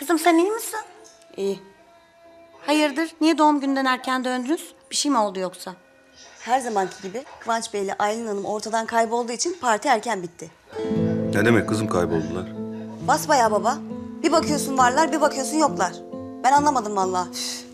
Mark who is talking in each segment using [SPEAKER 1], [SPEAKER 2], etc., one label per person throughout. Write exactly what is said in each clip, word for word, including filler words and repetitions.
[SPEAKER 1] Kızım sen iyi misin?
[SPEAKER 2] İyi.
[SPEAKER 1] Hayırdır? Niye doğum günden erken döndünüz? Bir şey mi oldu yoksa?
[SPEAKER 2] Her zamanki gibi Kıvanç Bey ile Aylin Hanım ortadan kaybolduğu için parti erken bitti.
[SPEAKER 3] Ne demek kızım kayboldular?
[SPEAKER 2] Basbayağı baba. Bir bakıyorsun varlar, bir bakıyorsun yoklar. Ben anlamadım vallahi. Üf.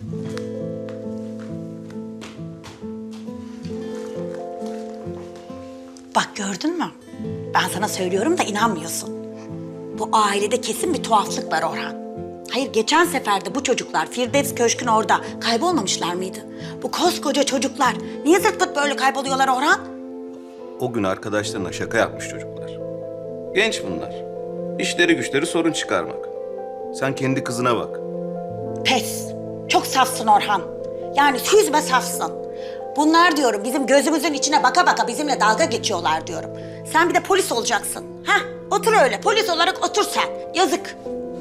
[SPEAKER 1] Bak gördün mü? Ben sana söylüyorum da inanmıyorsun. Bu ailede kesin bir tuhaflık var Orhan. Hayır geçen sefer de bu çocuklar Firdevs Köşk'ün orada kaybolmamışlar mıydı? Bu koskoca çocuklar niye zırt pırt böyle kayboluyorlar Orhan?
[SPEAKER 3] O gün arkadaşlarına şaka yapmış çocuklar. Genç bunlar. İşleri güçleri sorun çıkarmak. Sen kendi kızına bak.
[SPEAKER 1] Pes. Çok safsın Orhan. Yani süzme safsın. Bunlar diyorum bizim gözümüzün içine baka baka bizimle dalga geçiyorlar diyorum. Sen bir de polis olacaksın. Hah otur öyle polis olarak otur sen. Yazık.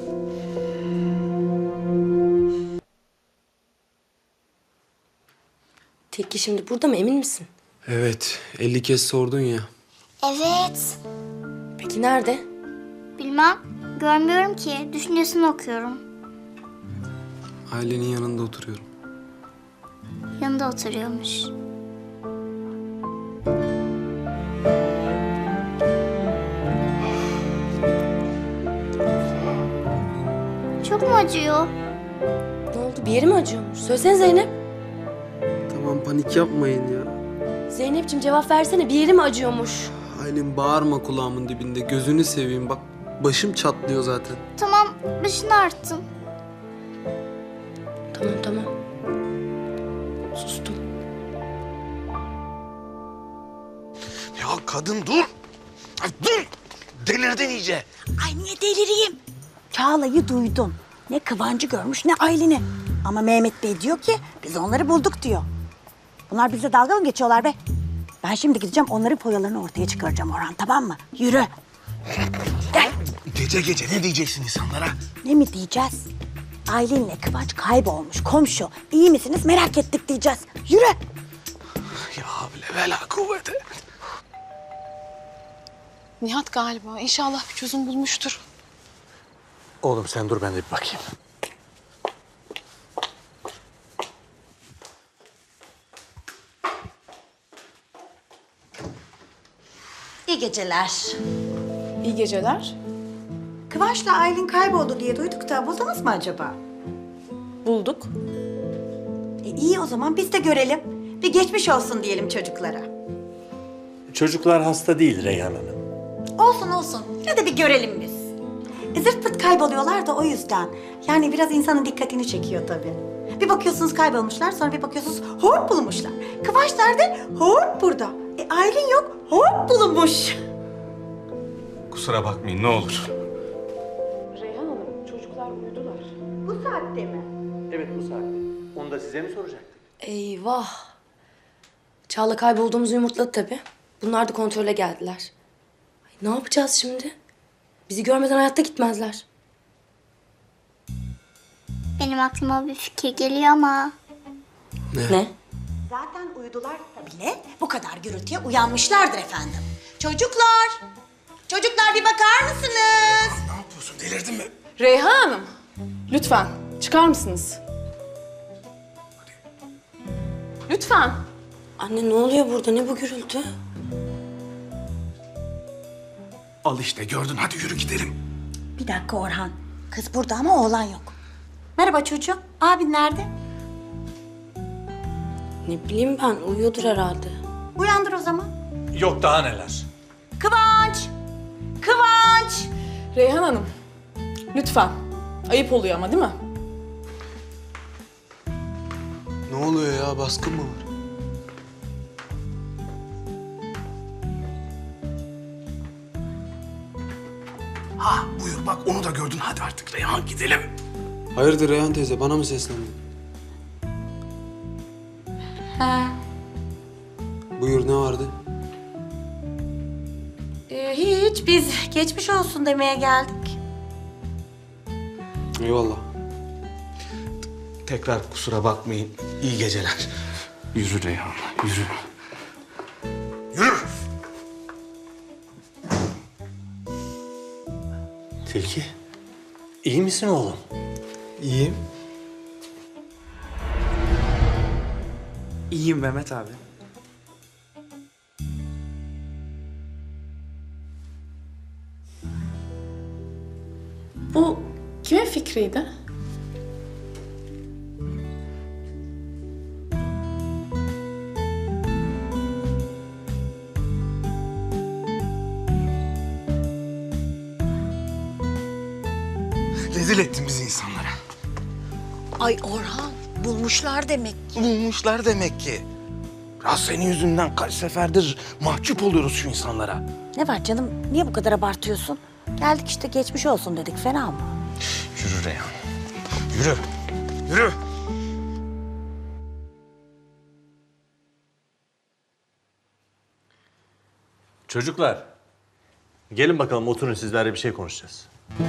[SPEAKER 4] Tilki şimdi burada mı, emin misin?
[SPEAKER 5] Evet, elli kez sordun ya.
[SPEAKER 6] Evet.
[SPEAKER 4] Peki nerede?
[SPEAKER 6] Bilmem. Görmüyorum ki. Düşüncesini okuyorum.
[SPEAKER 5] Ailenin yanında oturuyorum.
[SPEAKER 6] Yanında oturuyormuş. Çok mu acıyor?
[SPEAKER 4] Ne oldu, bir yeri mi acıyormuş? Söylesene Zeynep.
[SPEAKER 5] Tamam, panik yapmayın ya.
[SPEAKER 4] Zeynep'ciğim cevap versene, bir yeri mi acıyormuş?
[SPEAKER 5] Aylin bağırma kulağımın dibinde. Gözünü seveyim bak. Başım çatlıyor zaten.
[SPEAKER 6] Tamam, başını arttım.
[SPEAKER 4] Tamam tamam. Sustum.
[SPEAKER 7] Ya kadın dur. Ay dur. Delirdin iyice.
[SPEAKER 1] Ay niye delireyim? Çağla'yı duydum. Ne Kıvancı görmüş ne Aylin'i. Ama Mehmet Bey diyor ki biz onları bulduk diyor. Bunlar bize dalga mı geçiyorlar be? Ben şimdi gideceğim onların foyalarını ortaya çıkaracağım Orhan tamam mı? Yürü. Gel.
[SPEAKER 7] Gece gece ne diyeceksin insanlara?
[SPEAKER 1] Ne mi diyeceğiz? Aylin'le Kıvanç kaybolmuş komşu. İyi misiniz merak ettik diyeceğiz. Yürü.
[SPEAKER 7] Ya havle ve la kuvvete.
[SPEAKER 8] Nihat galiba. İnşallah bir çözüm bulmuştur.
[SPEAKER 7] Oğlum sen dur ben de bir bakayım.
[SPEAKER 1] İyi geceler.
[SPEAKER 8] İyi geceler.
[SPEAKER 1] Kıvanç'la Aylin kayboldu diye duyduk da buldunuz mu acaba?
[SPEAKER 8] Bulduk.
[SPEAKER 1] E iyi o zaman biz de görelim. Bir geçmiş olsun diyelim çocuklara.
[SPEAKER 9] Çocuklar hasta değil Reyhan Hanım.
[SPEAKER 1] Olsun olsun. Yine de bir görelim biz. E, zırt pırt kayboluyorlar da o yüzden. Yani biraz insanın dikkatini çekiyor tabii. Bir bakıyorsunuz kaybolmuşlar, sonra bir bakıyorsunuz hop bulunmuşlar. Kıvanç nerede? Hop burada. E Aylin yok, hop bulunmuş.
[SPEAKER 3] Kusura bakmayın ne olur.
[SPEAKER 8] Reyhan Hanım, çocuklar uyudular.
[SPEAKER 1] Bu saatte mi?
[SPEAKER 9] Evet bu saatte. Onu da size mi soracaktık?
[SPEAKER 4] Eyvah. Çağla kaybolduğumuzu yumurtladı tabii. Bunlar da kontrole geldiler. Ay, ne yapacağız şimdi? Bizi görmeden hayatta gitmezler.
[SPEAKER 6] Benim aklıma bir fikir geliyor ama.
[SPEAKER 5] Ne?
[SPEAKER 4] Ne?
[SPEAKER 1] Zaten uyudular bile bu kadar gürültüye uyanmışlardır efendim. Çocuklar, çocuklar bir bakar mısınız?
[SPEAKER 7] Ne yapıyorsun delirdin mi?
[SPEAKER 8] Reyhan Hanım, lütfen çıkar mısınız? Lütfen.
[SPEAKER 4] Anne ne oluyor burada? Ne bu gürültü?
[SPEAKER 7] Al işte gördün hadi yürü gidelim.
[SPEAKER 1] Bir dakika Orhan. Kız burada ama oğlan yok. Merhaba çocuğum. Abin nerede?
[SPEAKER 4] Ne bileyim ben, uyuyordur herhalde.
[SPEAKER 1] Uyandır o zaman.
[SPEAKER 9] Yok daha neler.
[SPEAKER 1] Kıvanç! Kıvanç!
[SPEAKER 8] Reyhan Hanım, lütfen. Ayıp oluyor ama değil mi?
[SPEAKER 5] Ne oluyor ya? Baskın mı var?
[SPEAKER 7] Ha buyur bak onu da gördün hadi artık Reyhan gidelim.
[SPEAKER 5] Hayırdır Reyhan teyze? Bana mı seslendin?
[SPEAKER 1] Ha.
[SPEAKER 5] Buyur ne vardı?
[SPEAKER 1] Ee, hiç. Biz geçmiş olsun demeye geldik.
[SPEAKER 5] Eyvallah.
[SPEAKER 7] Tekrar kusura bakmayın iyi geceler. Yürü Reyhan yürü. Yürü.
[SPEAKER 9] Tilki. İyi misin oğlum?
[SPEAKER 5] İyiyim.
[SPEAKER 10] İyiyim Mehmet abi.
[SPEAKER 8] Bu kimin fikriydi?
[SPEAKER 7] Rezil ettin bizi insanlara.
[SPEAKER 1] Ay Orhan, bulmuşlar demek.
[SPEAKER 7] Bulmuşlar demek ki. Ya senin yüzünden kaç seferdir mahcup oluyoruz şu insanlara.
[SPEAKER 1] Ne var canım? Niye bu kadar abartıyorsun? Geldik işte geçmiş olsun dedik. Fena mı?
[SPEAKER 7] Yürü Reyhan. Yürü. Yürü.
[SPEAKER 9] Çocuklar, gelin bakalım oturun sizlerle bir şey konuşacağız.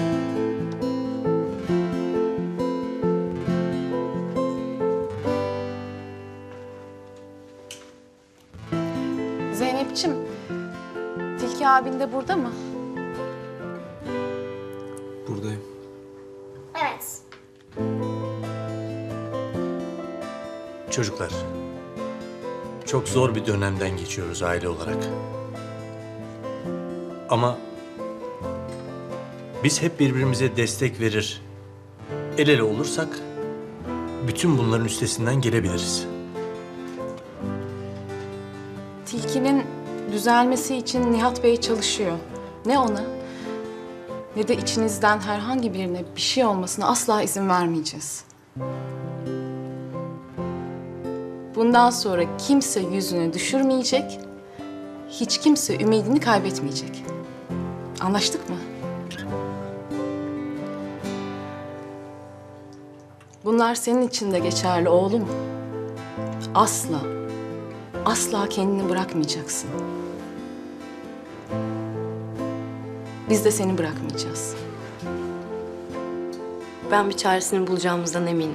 [SPEAKER 8] Zeynep'ciğim, Tilki abin de burada mı?
[SPEAKER 5] Buradayım.
[SPEAKER 6] Evet.
[SPEAKER 9] Çocuklar, çok zor bir dönemden geçiyoruz aile olarak. Ama biz hep birbirimize destek verir, el ele olursak bütün bunların üstesinden gelebiliriz.
[SPEAKER 8] Tilki'nin düzelmesi için Nihat Bey çalışıyor. Ne ona ne de içinizden herhangi birine bir şey olmasına asla izin vermeyeceğiz. Bundan sonra kimse yüzünü düşürmeyecek, hiç kimse ümidini kaybetmeyecek. Anlaştık mı? Bunlar senin için de geçerli oğlum. Asla, asla kendini bırakmayacaksın. Biz de seni bırakmayacağız.
[SPEAKER 4] Ben bir çaresini bulacağımızdan eminim.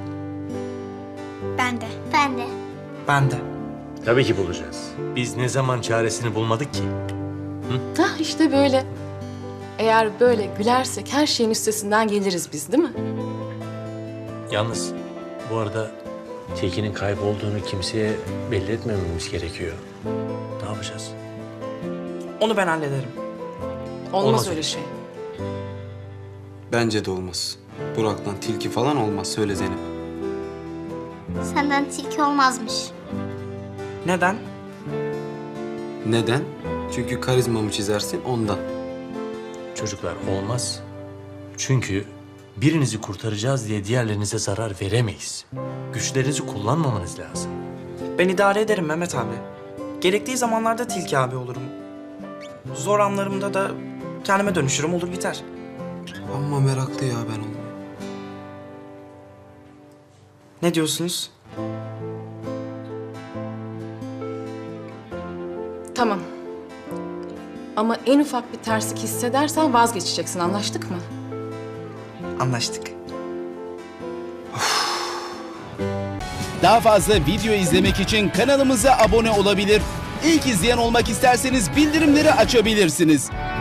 [SPEAKER 6] Ben de. Ben de.
[SPEAKER 10] Ben de.
[SPEAKER 9] Tabii ki bulacağız. Biz ne zaman çaresini bulmadık ki?
[SPEAKER 8] Hah işte böyle. Eğer böyle gülersek her şeyin üstesinden geliriz biz, değil mi?
[SPEAKER 9] Yalnız bu arada Tilki'nin kaybolduğunu kimseye belli etmememiz gerekiyor. Ne yapacağız?
[SPEAKER 10] Onu ben hallederim.
[SPEAKER 8] Olmaz,
[SPEAKER 9] Olmaz
[SPEAKER 8] öyle
[SPEAKER 9] öyle
[SPEAKER 8] şey.
[SPEAKER 5] Bence de olmaz. Burak'tan tilki falan olmaz. Söyle Zeynep.
[SPEAKER 6] Senden tilki olmazmış.
[SPEAKER 10] Neden?
[SPEAKER 5] Neden? Çünkü karizmamı çizersin ondan.
[SPEAKER 9] Çocuklar olmaz. Çünkü birinizi kurtaracağız diye diğerlerinize zarar veremeyiz. Güçlerinizi kullanmamanız lazım.
[SPEAKER 10] Ben idare ederim Mehmet abi. Gerektiği zamanlarda Tilki abi olurum. Zor anlarımda da kendime dönüşürüm, olur biter.
[SPEAKER 5] Ama meraklı ya ben olmayı.
[SPEAKER 10] Ne diyorsunuz?
[SPEAKER 8] Tamam. Ama en ufak bir terslik hissedersen vazgeçeceksin, anlaştık mı?
[SPEAKER 10] Anlaştık.
[SPEAKER 11] Daha fazla video izlemek için kanalımıza abone olabilir. İlk izleyen olmak isterseniz bildirimleri açabilirsiniz.